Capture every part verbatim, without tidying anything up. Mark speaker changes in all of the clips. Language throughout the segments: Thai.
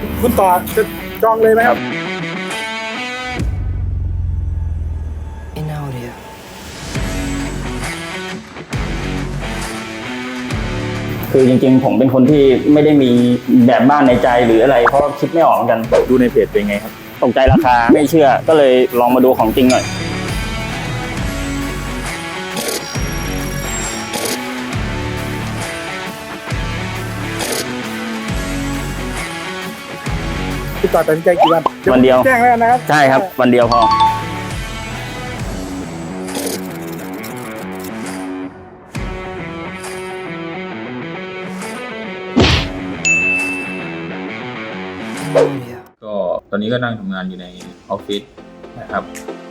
Speaker 1: คุณต่อจะจองเลยไหมครับ
Speaker 2: คือจริงๆผมเป็นคนที่ไม่ได้มีแบบบ้านในใจหรืออะไรเพราะคิดไม่ออกเหมือนกัน
Speaker 1: ดูในเพจเป็นไงครับ
Speaker 2: ตกใจราคาไม่เชื่อก็เลยลองมาดูของจริงหน่อย
Speaker 1: คุณต่อตัดสินใจกี่วัน
Speaker 2: วันเดียว
Speaker 1: แจ้งแล้วนะครับ
Speaker 2: ใช่ครับวันเดียวพอ
Speaker 3: ก็ตอนนี้ก็นั่งทำงานอยู่ในออฟฟิศนะครับ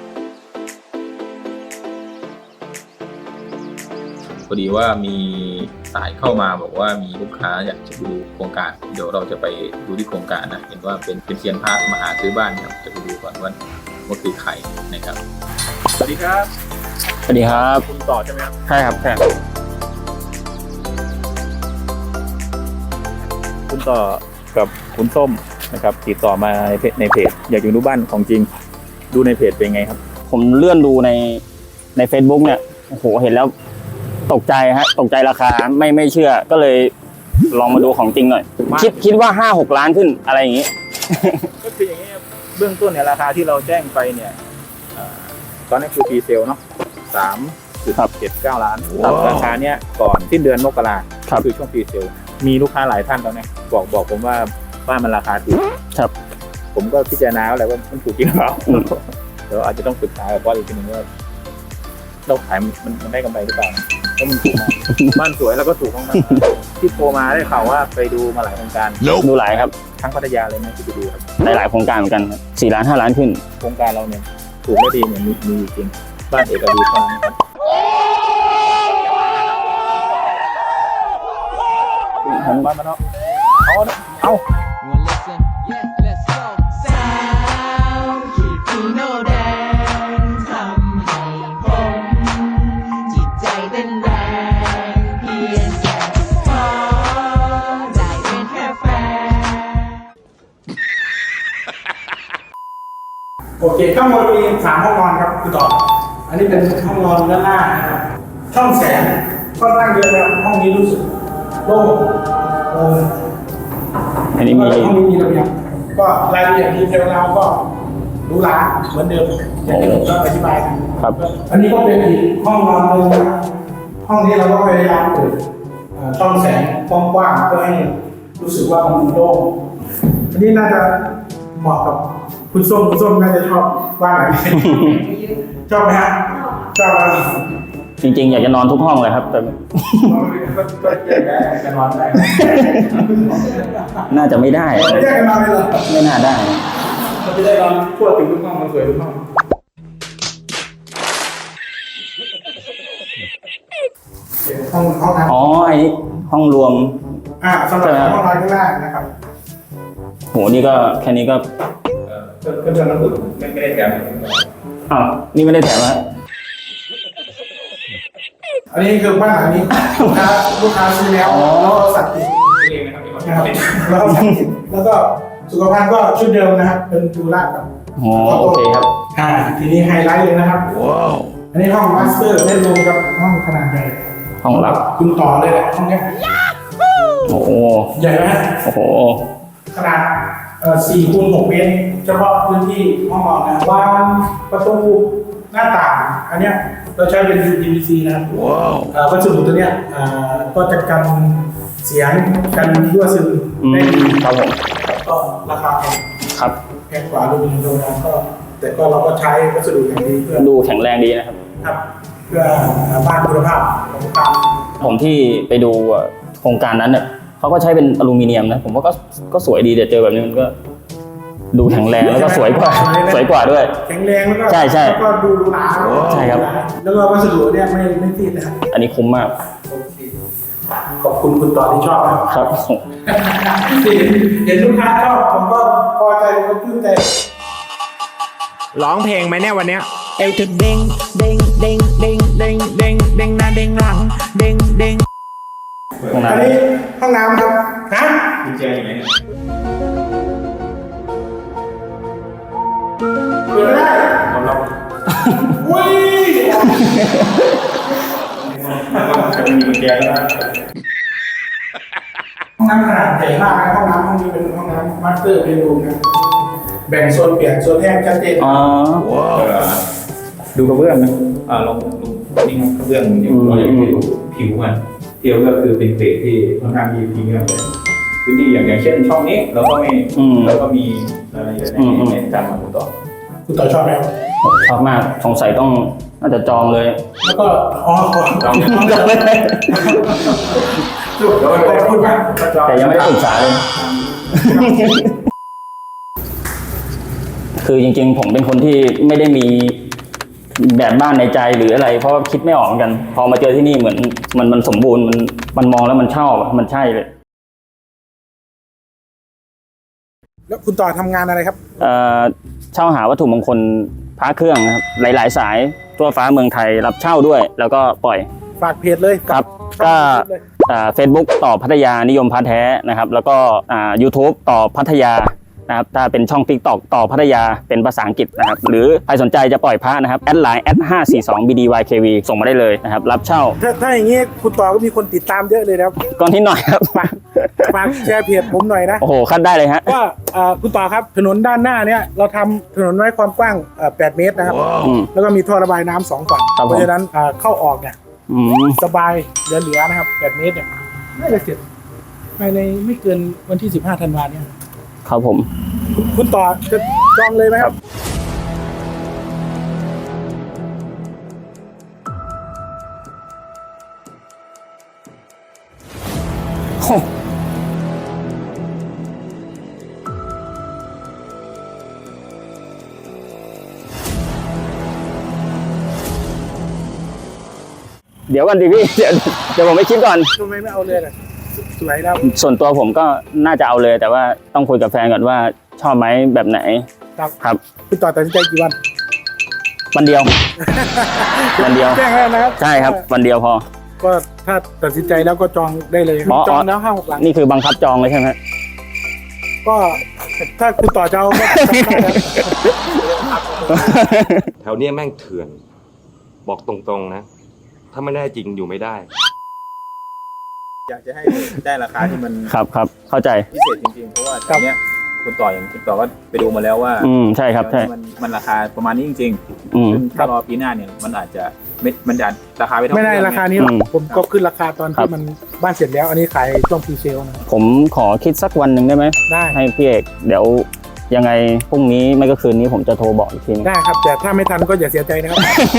Speaker 3: พอดีว่ามีสายเข้ามาบอกว่ามีลูกค้าอยากจะดูโครงการเดี๋ยวเราจะไปดูที่โครงการนะเห็นว่าเป็นเป็นเซียนพระมาหาซื้อบ้านครับจะไปดูก่อนว่าว่าคือใครนะครับ
Speaker 1: สวัสดีครับ
Speaker 2: สวัสดีครับ
Speaker 1: คุณต่อใช่ไหมครับ
Speaker 2: ใช่ครับใช่
Speaker 1: คุณต่อกับคุณส้มนะครับติดต่อมาในเพจในเพจอยากอยู่ดูบ้านของจริงดูในเพจเป็นไงครับ
Speaker 2: ผมเลื่อนดูในใน Facebook เนี่ยโอ้โหเห็นแล้วตกใจฮะตกใจราคาไม่ไม่เชื่อก็เลยลองมาดูของจริงหน่อยคิดคิดว่าห้าหกล้านขึ้นอะไรอย่างนี้
Speaker 1: ก็คืออย่างนี้เบื้องต้นเนี่ยราคาที่เราแจ้งไปเนี่ยตอนนี้คือปีเซลเนาะสามจุดเจ็ดเก้าล้านราคาเนี้ยก่อนสิ้นเดือนมกราคือช่วงปีเซลมีลูกค้าหลายท่านตอนนี้บอกบอกผมว่าบ้านมันราคาถูก
Speaker 2: ครับ
Speaker 1: ผมก็พิจารณาแล้วว่ามันถูกจริงหรือเปล่าเดี๋ยวอาจจะต้องปรึกษากับบอสอีกทีนึงว่าเราขายมันมันได้กำไรหรือเปล่าเพราะมันถูกมากบ้านสวยแล้วก็ถูกมากที่โทรมาได้ข่าวว่าไปดูมาหลายโครงการ
Speaker 2: ดูหลายครับ
Speaker 1: ทั้งพัทยาเลยไหมที่ไปดูครับ
Speaker 2: หลายหลายโครงการเหมือนกันครับสี่ล้านห้าล้านขึ้น
Speaker 1: โครงการเราเนี่ยถูกและดีเนี่ยมีมีจริงบ้านเอกดีเท่านั้นครับหันบ้านมาเนาะเอาเอาโอเคข้างบนมีสามห้องนอนครับคือต่ออันนี้เป็นห้องนอนด้านหน้านะครับช่องแสงค่อนข้างเยอะแล้วห้องนี้รู้สึกโล่งโล่ง
Speaker 2: อันนี้มี
Speaker 1: ห้องนี้มีระเบียงก็รายละเอียดดีเทลเราก็รู้ล้าเหมือนเดิมอย่างที่ผมอธิบาย
Speaker 2: ครับ
Speaker 1: อันนี้ก็เป็นอีกห้องนอนหนึ่งนะห้องนี้เราก็พยายามเปิดช่องแสงกว้างๆเพื่อให้รู้สึกว่ามันโล่งอันนี้น่าจะเหมาะกับคุณส้มคุณส้มน่าจะชอบบ้านไหนชอบไหมฮะชอบไหม
Speaker 2: จริงๆอยากจะนอนทุกห้องเลยครับแต่
Speaker 1: จะนอนได้
Speaker 2: น่าจะไม่ได้
Speaker 1: ไม่ได้กันนอนเลยเหรอ
Speaker 2: ไม่น่าได้
Speaker 1: มันจะได้นอนทั่วถึงทุกห้องมันสวยทุกห้องห้องห้องน้ำ
Speaker 2: อ๋อไอ้ห้องรวม
Speaker 1: อ่าสำหรับห้องนอนข้างล่างนะครับ
Speaker 2: โหนี่ก็แค่นี้ก็
Speaker 1: ก็เดือนละหมื่นไม่ไม่ได้แถม
Speaker 2: อ้าวนี่ไม่ได้แถมฮะ
Speaker 1: อันนี้คือบ้านหลังนี้ลูกค้าลูกค้าซื้อแล้วแล้วสั่งติดเองนะครับแล้วสั่งติดแล้วก็สุขภัณฑ์ก็ชุดเดิมนะครับเป็นดูราครับ
Speaker 2: อ๋อโอเคครับ
Speaker 1: อ่าทีนี้ไฮไลท์เลยนะครับว้าวอันนี้ห้องมาสเตอร์เล่นรวมกับห้องขนาดใหญ่
Speaker 2: ห้องรับ
Speaker 1: คุณต่อเลยแหละห้องนี้
Speaker 2: โอ้โห
Speaker 1: ใหญ่ไหม
Speaker 2: โอ้โห
Speaker 1: ขนาดเอ่อสี่คูณหกเมตรเฉพาะพื้นที่ห้องนอนนะวางประตูหน้าต่างอันเนี้ยเราใช้เป็น ยู พี วี ซี นะครับว้าววัสดุตัวเนี้ยก็จะกันเสียงกันรั่วซึมได้ดี
Speaker 2: ครับผม
Speaker 1: ก็ราคาแพง
Speaker 2: ครับ
Speaker 1: แพงกว่าอลูมิเนียมโรงงานก็แต่ก็เราก็ใช้วัสดุอย่างดีเพื่อ
Speaker 2: ดูแข็งแรงดีนะครับ
Speaker 1: ครับเพื่อบ้านคุณภาพของทาง
Speaker 2: ผมที่ไปดูโครงการนั้นเนี่ยเขาก็ใช้เป็นอลูมิเนียมนะผมว่าก็ก็สวยดีแต่เจอแบบนี้มันก็ดูแข็งแรงแล้วก็สวยกว่าสวยกว่าด้วย
Speaker 1: แข็งแรงแล้วก็
Speaker 2: ใช่ใช่
Speaker 1: แล้วก็ดูหนา
Speaker 2: ใช่ครับ
Speaker 1: แล้วก็วัสดุเนี่ยไม่ไม่ซีดนะครับ
Speaker 2: อันนี้คุ้มมาก
Speaker 1: ขอบคุณคุณต่อที่ชอบ
Speaker 2: ครับ
Speaker 1: เห็นลูกค้าชอบผมก็พอใจผมก็ชื่นใจ
Speaker 4: ร้องเพลงไหมเนี่ยวันเนี้ยเอวจะเด้งเด้งเด้งเด้งเด้งเด้งเด้งหน้าเด้งหลังเด้งเด้ง
Speaker 1: อันนี้ห้องน้ำครับฮะ
Speaker 3: กุญแจอยู่ไหนเนี่ยจะมีกุญแจแล้ว
Speaker 1: ห้องน้ำขนาดใหญ่มากนะห้องน้ำห้องนี้เป็นห้องน้ำมาสเตอร์เป็นรูมนะแบ่งโซนเปียกโซนแห้งชัดเจน
Speaker 2: อ๋อ
Speaker 3: ดูกระเบื้องนะอ่าลองดูนี่กระเบื้องอยู่เราอยากดูผิวมันเดียวก็คือเป็นเกรดที่ค่อนข้างมีพรีเมียมเลยพื้นที่อย่างอย่างเช่นช่องนี้เราก็ไม่เราก็มีอะไรอย่างในในการมาดูต่อ
Speaker 1: คุณต่อชอบไหมครับ
Speaker 2: ชอบมากสงสัยต้องน่าจะจองเลย
Speaker 1: แล้วก็อ๋อขอ
Speaker 3: จองเลย
Speaker 2: จองเลย
Speaker 1: จุดขอบคุณมาก
Speaker 2: แต่ยังไม่ได้ปรึกษาเลย คือจริงๆ ผมเป็นคนที่ไม่ได้มีแบบบ้านในใจหรืออะไร เพราะว่าคิดไม่ออกเหมือนกัน พอมาเจอที่นี่เหมือนมันมันสมบูรณ์มันมันมองแล้วมันชอบมันใช่เลย
Speaker 1: แล้วคุณต่อทำงานอะไรครับ
Speaker 2: เอ่อเช่าหาวัตถุมงคลพระเครื่องนะครับหลายๆสายทั่วฟ้าเมืองไทยรับเช่าด้วย แล้วก็ปล่อย
Speaker 1: ฝากเพจเลย
Speaker 2: ครับก็เฟซบุ๊กต่อพัทยานิยมพระแท้นะครับ แล้วก็อ่า YouTube ต่อพัทยานะครับถ้าเป็นช่อง TikTok ต่อพัทยาเป็นภาษาอังกฤษนะครับหรือใครสนใจจะปล่อยพระนะครับแอดไลน์แอดห้าสี่สองบีดีวายเควีส่งมาได้เลยนะครับรับเช่า
Speaker 1: ถ้าถ้าอย่างนี้คุณต่อก็มีคนติดตามเยอะเลยนะครับ
Speaker 2: ก่อนที่หน่อยครับ
Speaker 1: ฝากฝากแชร์เพจผมหน่อยนะ
Speaker 2: โอ้โหคัดได้เลยฮะ
Speaker 1: ว่าเอ่อคุณต่อครับถนนด้านหน้าเนี่ยเราทำถนนไว้ความกว้างเอ่อแปดเมตรนะครับ
Speaker 2: อืม
Speaker 1: แล้วก็มีท่อระบายน้ำสองฝั่ง
Speaker 2: ครับผม
Speaker 1: เพราะฉะนั้นเอ่อเข้าออกเนี่ย
Speaker 2: อืม
Speaker 1: สบายเหลือๆนะครับแปดเมตรเนี่ยน่าจะเสร็จภายในไม่เกินวันที่สิบห้าธันวาคมเนี่ย
Speaker 2: ครับผม
Speaker 1: คุณต่อจะจองเลยไหมครับ
Speaker 2: โอ้ เดี๋ยวก่อนดิพี่ เดี๋ยวเดี๋ยวผมไปคิดก่อน
Speaker 1: ทำไมไม่เอาเลยล่ะสวยแล้ว
Speaker 2: ส่วนตัวผมก็น่าจะเอาเลย แต่ว่าต้องคุยกับแฟนก่อนว่าชอบไหมแบบไหน
Speaker 1: ครับ
Speaker 2: ครับ
Speaker 1: คุณต่อตัดสินใจกี่วัน
Speaker 2: วันเดียว วันเดียว
Speaker 1: แจ้งแล้วนะครับ
Speaker 2: ใช่ครับ วันเดียวพอ
Speaker 1: ก็ถ้าตัดสินใจแล้วก็จองได้เลยครับ
Speaker 2: อ๋อ
Speaker 1: จองแล้วห้าหกหลัง
Speaker 2: นี่คือบังคับจองเลยใช่ไหม
Speaker 1: ก็ถ้าคุณต่อจะเอาก็จองได้ครับ
Speaker 5: แถวเนี้ยแม่งเถื่อน บอกตรงๆนะ ถ้าไม่แน่จริงอยู่ไม่ได้
Speaker 3: อยากจะให้ได้ราคาที่มัน
Speaker 2: ครับครับเข้าใจ
Speaker 3: พิเศษจริงๆเพราะว่าตอนเนี้ยคุณต่ออย่างคุณต่อก็ไปดูมาแล้วว่า
Speaker 2: อืมใช่ครับใช่
Speaker 3: มันมันราคาประมาณนี้จริง
Speaker 2: อืม
Speaker 3: ๆซึ่งถ้ารอปีหน้าเนี่ยมันอาจจะไม่มันจะราคาไม่เท่า
Speaker 1: ไม่ได้ราคานี้หรอก
Speaker 2: อืม
Speaker 1: ผมก็ขึ้นราคาตอน
Speaker 2: ครั
Speaker 1: ที่
Speaker 2: บ
Speaker 1: มันบ้านเสร็จแล้ว อันนี้ขายช่วงพรีเซลนะ
Speaker 2: ผมขอคิดสักวันหนึ่งได้ไหม
Speaker 1: ได้
Speaker 2: ให้พี่เอกเดี๋ยวยังไงพรุ่งนี้ไม่ก็คืนนี้ผมจะโทรบอกอีกทีนึง
Speaker 1: ได้ครับ แต่ถ้าไม่ทันก็อย่าเสียใจนะครับ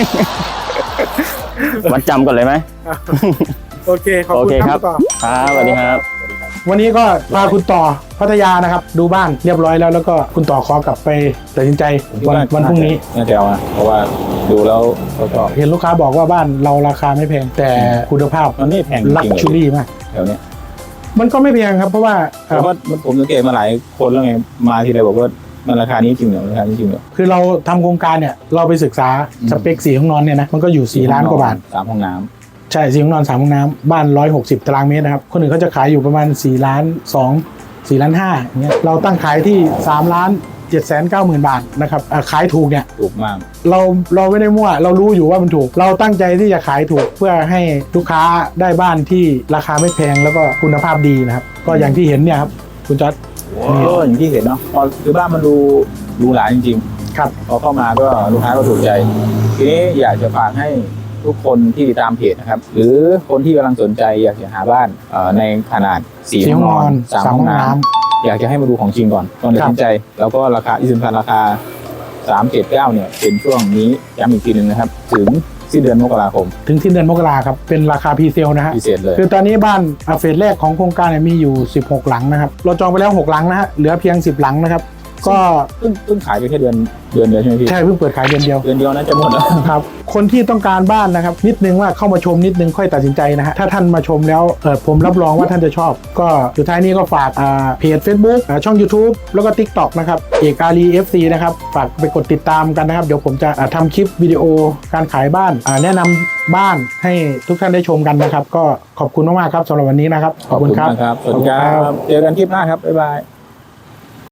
Speaker 2: วัดจำก่อนเลยไหม
Speaker 1: โอเค ขอบ
Speaker 2: โอ
Speaker 1: คุณ
Speaker 2: เค
Speaker 1: ค
Speaker 2: ค
Speaker 1: รั
Speaker 2: รั
Speaker 1: บบ คุณต่อ
Speaker 2: ครับสวัสดีครับ
Speaker 1: วันนี้ก็พาคุณต่อพัทยานะครับ ดูบ้านเรียบร้อยแล้วแล้วก็คุณต่อขอกลับไปตัดสินใจวันวันพรุ่งนี้
Speaker 3: น่าจะเอานะเพราะว่าดูแล้วเขาชอบ
Speaker 1: เห็นลูกค้าบอกว่าบ้านเราราคาไม่แพง แต่คุณภาพ
Speaker 3: มันไม่แพงจริงๆ
Speaker 1: ลักชูรี่มาก
Speaker 3: แถวเนี้ย
Speaker 1: มันก็ไม่แพงครับ เพราะว่า
Speaker 3: เพราะว่าผมสังเกตมาหลายคนแล้วไงมาทีไรบอกว่ามันราคานี้จริงเหรอราคานี้จริงเหรอ
Speaker 1: คือเราทำโครงการเนี่ยเราไปศึกษา
Speaker 3: อืม
Speaker 1: สเปคสี่ห้องนอนเนี่ยนะมันก็อยู่สี่ล้านกว่าบาท
Speaker 3: สามห้องน้
Speaker 1: ใช่สี่ห้องนอนสามห้องน้ำบ้านร้อยหกสิบตารางเมตรนะครับคนอื่นเขาจะขายอยู่ประมาณสี่ล้านสองสี่ล้านห้าอย่างเงี้ยเราตั้งขายที่สามล้านเจ็ดแสนเก้าหมื่นบาทนะครับอ่ะขายถูกเนี่ย
Speaker 3: ำถูกมาก
Speaker 1: เราเราไม่ได้มั่วเรารู้อยู่ว่ามันถูก เราตั้งใจที่จะขายถูกเพื่อให้ลูกค้าได้บ้านที่ราคาไม่แพงแล้วก็คุณภาพดีนะครับก็อย่างที่เห็นเนี่ยครับคุณจอร์จ
Speaker 3: ก็อย่างที่เห็นเนาะพอคือบ้านมันดูหรูหราจริง
Speaker 1: ครับ
Speaker 3: ๆพอเข้ามาก็ลูกค้าก็ถูกใจทีนี้อยากจะฝากให้ทุกคนที่ติดตามเพจนะครับหรือคนที่กำลังสนใจอยากจะหาบ้านเอ่อในขนาดสี่ห้องนอนสามห้องน้ำอยากจะให้มาดูของจริงก่อนก่อนตัดสินใจ แล้วก็ราคาที่สำคัญราคาสามเจ็ดเก้าเนี่ยเป็นช่วงนี้ย้ำอีกทีหนึ่งนะครับถึงสิ้นเดือนมกราคม
Speaker 1: ถึงสิ้นเดือนมกราครับเป็นราคาพรีเซลนะฮะ
Speaker 3: พิเศษเลย
Speaker 1: คือตอนนี้บ้านอ่ะเฟสแรกของโครงการเนี่ยมีอยู่สิบหกหลังนะครับเราจองไปแล้วหกหลังนะฮะเหลือเพียงสิบหลังนะครับก็
Speaker 3: เพิ่งเพิ่งขายไปแค่เดือนเดือนเดียวใช่ไหมพี่
Speaker 1: ใช่เพิ่งเปิดขายเดือนเดียว
Speaker 3: เดือนเดียวน่าจะหมดแล้ว
Speaker 1: ครับคนที่ต้องการบ้านนะครับนิดนึงว่าเข้ามาชมนิดนึงค่อยตัดสินใจนะฮะถ้าท่านมาชมแล้วเออผมรับรองว่าท่านจะชอบ ก็สุดท้ายนี้ก็ฝากอ่าเพจ Facebook อ่าช่อง YouTube แล้วก็ TikTok นะครับเอกอารี เอฟ ซี นะครับฝากไปกดติดตามกันนะครับเดี๋ยวผมจะอ่าทำคลิปวิดีโอการขายบ้านอ่าแนะนำบ้านให้ทุกท่านได้ชมกันนะครับก็ขอบคุณมากๆครับสำหรับวันนี้นะครับ
Speaker 3: ขอบคุณมากครับ สวัสดีครับ เจอกันคลิปหน้าครับ บ๊ายบาย